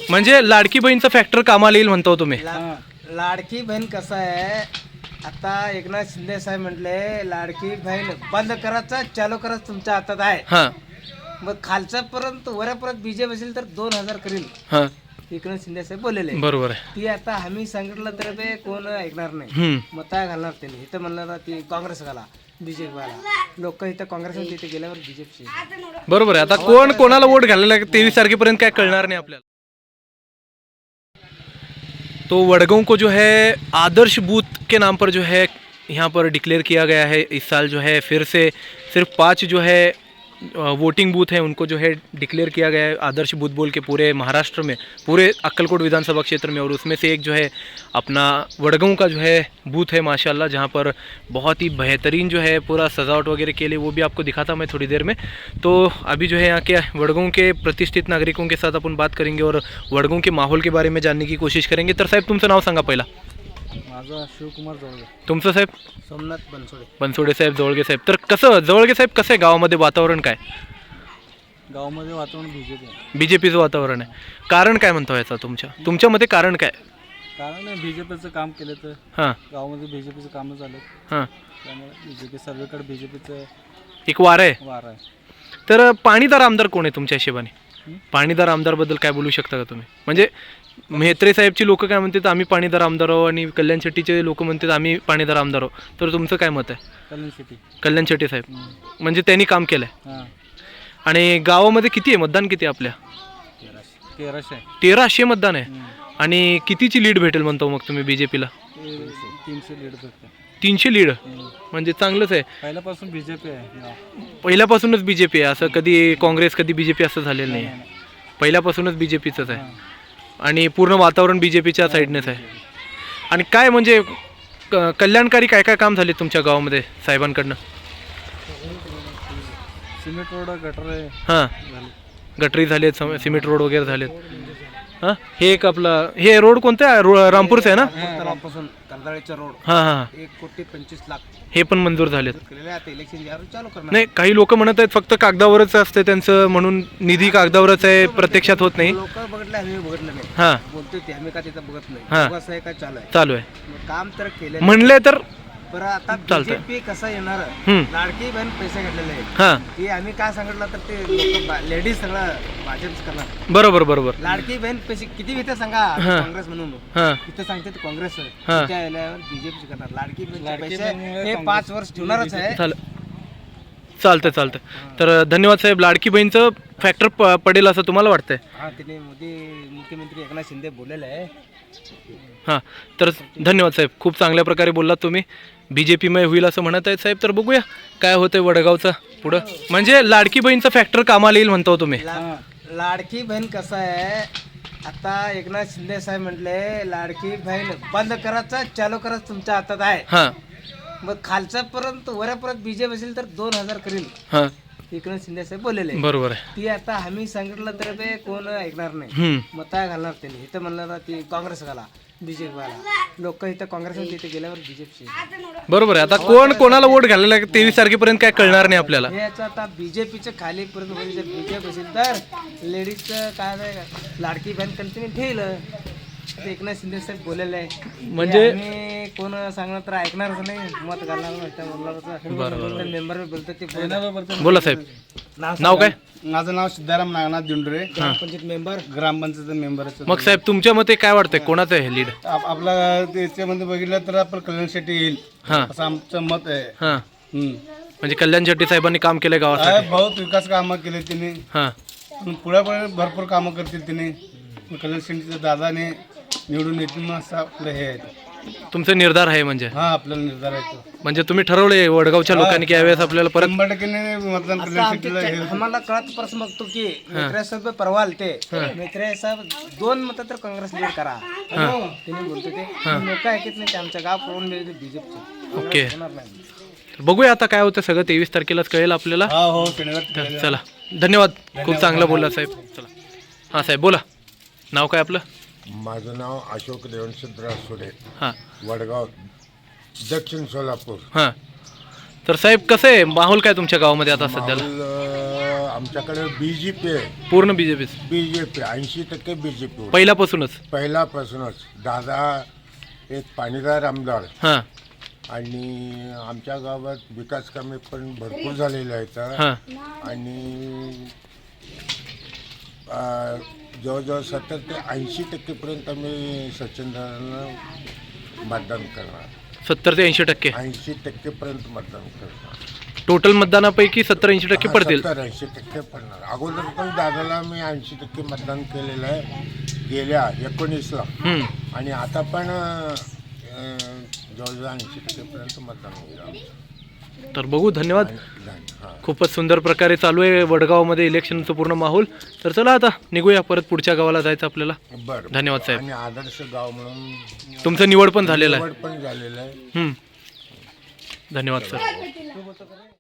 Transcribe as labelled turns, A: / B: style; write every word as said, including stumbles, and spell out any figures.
A: म्हणजे लाडकी बहीणचं फॅक्टर कामाला येईल म्हणतो तुम्ही.
B: ला, लाडकी बहीण कसं आहे, आता एकनाथ शिंदे साहेब म्हटले लाडकी बहीण बंद करायचं चालू करायचं तुमच्या हातात आहे.
A: हां
B: मग खालच्या पर्यंत वऱ्यापर्यंत बीजेपी असेल तर दोन हजार करील
A: हां
B: एकनाथ शिंदे साहेब बोललेले.
A: बरोबर आहे.
B: ती आता आम्ही सांगितलं तर ते कोण ऐकणार नाही.
A: हम्म.
B: मता घालणार त्यांनी. इथं म्हणणार ती काँग्रेस घाला बीजेपी वाला. लोक इथं काँग्रेस तिथे गेल्यावर बीजेपी.
A: बरोबर आहे. आता कोण कोणाला वोट घालायला तेवीस तारखेपर्यंत काय कळणार नाही आपल्याला. तो वडगांव को जो है आदर्श बूथ के नाम पर जो है यहाँ पर डिक्लेयर किया गया है. इस साल जो है फिर से सिर्फ पाँच जो है वोटिंग बूथ है उनको जो है डिक्लेयर किया गया है आदर्श बूथ बोल के पूरे महाराष्ट्र में, पूरे अक्कलकोट विधानसभा क्षेत्र में. और उसमें से एक जो है अपना वडगांव का जो है बूथ है माशाल्लाह, जहाँ पर बहुत ही बेहतरीन जो है पूरा सजावट वगैरह के लिए, वो भी आपको दिखाता मैं थोड़ी देर में. तो अभी जो है यहाँ के वडगांव के प्रतिष्ठित नागरिकों के साथ अपन बात करेंगे और वडगांव के माहौल के बारे में जानने की कोशिश करेंगे. तर साहेब तुमचं नाव सांगा पहिला.
B: माझा शिवकुमार जवळगे.
A: तुमचं साहेब?
B: सोमनाथ बनसोडे.
A: बनसोडे साहेब, जवळगे साहेब. तर कसं जवळगे साहेब कसं आहे गावामध्ये वातावरण काय?
B: गावामध्ये वातावरण बीजेपी आहे.
A: बीजेपीचं वातावरण आहे. कारण काय म्हणतो याचा तुमच्या तुमच्या मते कारण काय?
B: कारण बीजेपीचं काम केलं तर
A: हां
B: गावामध्ये बीजेपीचं कामं झालं
A: हां
B: त्यामुळे बीजेपी सर्वेकडे बीजेपीचं
A: एक वार आहे.
B: वार आहे.
A: तर पाणीदार आमदार कोण आहे तुमच्या हिशोबाने? पाणीदार आमदारबद्दल काय बोलू शकता का तुम्ही? म्हणजे म्हेत्रे साहेबची लोक काय म्हणतात आम्ही पाणीदार आमदार आहो आणि कल्याण शेट्टीचे लोक म्हणतात आम्ही पाणीदार आमदार आहो. तर तुमचं काय मत आहे?
B: कल्याण शेट्टी.
A: कल्याण शेट्टी साहेब म्हणजे त्यांनी काम केलं आहे.
B: हां.
A: आणि गावामध्ये किती आहे मतदान? किती आहे आपल्या?
B: तेराशे. तेराशे
A: तेराशे मतदान आहे. आणि कितीची लीड भेटेल म्हणतो मग तुम्ही बीजेपीला?
B: तीनशे लीड भेटते.
A: तीनशे लीड म्हणजे चांगलंच आहे.
B: पहिल्यापासून बीजेपी आहे.
A: पहिल्यापासूनच बीजेपी आहे. असं कधी काँग्रेस कधी बीजेपी असं झालेलं नाही. पहिल्यापासूनच बीजेपीचंच आहे आणि पूर्ण वातावरण बीजेपीच्या साईडनेच आहे. आणि काय म्हणजे क कल्याणकारी काय काय काम झाले तुमच्या गावामध्ये साहेबांकडनं?
B: सिमेंट रोड गटर आहे.
A: हां गटरी झालेत, सिमेंट रोड वगैरे झालेत. हां हे एक आपलं हे रोड कोणतं आहे? रो रामपूरचं आहे ना?
B: तलावापासून कर्दाळेचा रोड
A: हां हां
B: एक कोटी पंचवीस लाख
A: हे पण मंजूर झालेत.
B: केलेले आता इलेक्शन यावर चालू करणार.
A: नाही काही लोक म्हणत आहेत फक्त कागदावरच असते त्यांचं, म्हणून निधी कागदावरच आहे, प्रत्यक्षात होत नाही.
B: लोक बघितलं आम्ही बघितलं नाही.
A: हां
B: बोलतोय ते आम्ही का तिथं बघत नाही.
A: हां.
B: कसं आहे काय चालू आहे
A: चालू आहे
B: मग काम तर केलं
A: म्हणले तर.
B: बरं आता
A: चालतंय.
B: बीजेपी कसं येणार?
A: हम्म.
B: लाडकी बहीण पैसे घेतलेले आहेत.
A: हां
B: ती आम्ही काय सांगितलं तर ते लोक लेडीज सगळं भाजपच करणार.
A: बरोबर बरोबर.
B: लाडकी बहीण पैसे किती घेते सांगा?
A: हां.
B: काँग्रेस म्हणून
A: हां
B: तिथे सांगते ते काँग्रेस
A: हां.
B: त्या याल्यावर बीजेपी करणार. लाडकी बहीण पैसे हे पाच वर्ष ठेवणारच आहे.
A: चाल चालतं चालतं. तर धन्यवाद साहेब. लाडकी बहीणचं फॅक्टर प पडेल असं तुम्हाला वाटतंय?
B: हा तिने मोदी मुख्यमंत्री एकनाथ शिंदे बोललेलं आहे.
A: हां तर धन्यवाद साहेब. खूप चांगल्या प्रकारे बोललात तुम्ही. बी जे पीमय होईल असं म्हणत आहेत साहेब. तर बघूया काय होतंय वडगावचं पुढं. म्हणजे लाडकी बहीणचं फॅक्टर कामाला येईल म्हणतो तुम्ही.
B: ला- लाडकी बहीण कसं आहे, आता एकनाथ शिंदे साहेब म्हटले लाडकी बहीण बंद करायचं चालू करायचं तुमच्या हातात आहे.
A: हां
B: मग खालच्या पर्यंत वऱ्यापर्यंत बीजेपी असेल तर दोन हजार करील
A: हां
B: एकनाथ शिंदे साहेब बोललेले.
A: बरोबर आहे.
B: ती आता आम्ही सांगितलं तर ते कोण ऐकणार नाही.
A: हम्म.
B: मता घालणार त्यांनी. इथं म्हणणार ती काँग्रेस घाला बीजेपी वाला. लोक इथं काँग्रेस तिथे गेल्यावर बीजेपी.
A: बरोबर आहे. आता कोण कोणाला वोट घालायला तेवीस तारखेपर्यंत काय कळणार नाही आपल्याला.
B: हे याचं आता बीजेपीचं खालीपर्यंत होईल. जर बीजेपी असेल तर लेडीजचं काय नाही, लाडकी बहीण कंटिन्यू ठेवल. एकनाथ शिंदे साहेब बोललेलं आहे.
A: म्हणजे-
B: आम्ही कोण सांगणार तर ऐकणारच नाही. मत घालणार मेंबर बोलतो ते बोलणार.
A: बोला साहेब. नाव काय?
C: माझं नाव सिद्धाराम नागनाथ दिंडुरे,
B: ग्रामपंचायत मेंबर.
C: ग्रामपंचायत मेंबर.
A: मग साहेब तुमच्या मते काय वाटतंय कोणाचं आहे लीड?
C: आपला त्याच्यामध्ये बघितलं तर आपण कल्याण शेट्टी येईल
A: हां
C: असं आमचं मत आहे.
A: हां
C: हम्म.
A: म्हणजे कल्याण शेट्टी साहेबांनी काम केलंय गावासाठी.
C: आहे, बहुत विकास कामं केले तिने.
A: हां
C: पुढे पण भरपूर कामं करतील तिने. कल्याण शेट्टीच्या दादाने निवडून येतील मग असं आपलं हे आहे.
A: तुमचा निर्धार आहे म्हणजे.
C: हा आपल्याला निर्धार आहे तो.
A: म्हणजे तुम्ही ठरवलंय वडगावच्या लोकांनी की यावेळेस आपल्याला परत.
C: शंभर टक्के मतदान
B: आता
C: कल्याण
B: आमच्या
C: शेट्टीला हे-
B: आम्हाला कळत प्रश्न बघतो की मित्रे साहेब परवा ते मित्रे साहेब दोन मत तर काँग्रेस लीड करा त्यांनी बोलतो ते. लोक ऐकत नाही. ते आमच्या गाव पळून गेले बीजेपी.
A: ओके
B: होणार नाही.
A: तर बघूया आता काय होतं सगळं. तेवीस तारखेलाच कळेल आपल्याला.
C: हा हो शनिवार
A: तर चला धन्यवाद. खूप चांगलं बोलला साहेब. चला हां साहेब बोला. नाव काय आपलं?
D: माझं नाव अशोक रेवणसिद्धराव सुडे,
A: हां
D: वडगाव, दक्षिण सोलापूर.
A: हां तर साहेब कसं आहे माहोल काय तुमच्या गावामध्ये आता सध्याला?
D: माहोल, अं, आमच्याकडे बी जे पी आहे.
A: पूर्ण B J P
D: B J P ऐंशी टक्के बी जे पी
A: पहिल्यापासूनच.
D: पहिल्यापासूनच. दादा एक पाणीदार आमदार
A: हां
D: आणि आमच्या गावात विकास कामे पण भरपूर झालेले आहेत.
A: हां
D: आणि अं, जवळजवळ सत्तर ते ऐंशी टक्केपर्यंत आम्ही सचिनदारांना मतदान करणार.
A: सत्तर ते ऐंशी टक्के
D: ऐंशी टक्केपर्यंत मतदान करणार.
A: टोटल मतदानापैकी सत्तर ऐंशी टक्के पडतील.
D: सत्तर ऐंशी टक्के पडणार. अगोदर पण दादाला मी ऐंशी टक्के मतदान केलेलं आहे गेल्या एकोणीसला.
A: हम्म.
D: आणि आता पण अं, जवळजवळ ऐंशी टक्केपर्यंत मतदान होईल आमचं.
A: तर बघू. धन्यवाद.
D: हां.
A: खूपच सुंदर प्रकारे चालू आहे वडगावमध्ये इलेक्शनचं पूर्ण माहोल. तर चला आता निघूया, परत पुढच्या गावाला जायचं आपल्याला.
D: बरं.
A: धन्यवाद साहेब.
D: आणि आदर्श गाव म्हणून
A: तुमचं निवड पण झालेलं आहे.
D: निवड पण झालेलं आहे.
A: हम्म. धन्यवाद सर.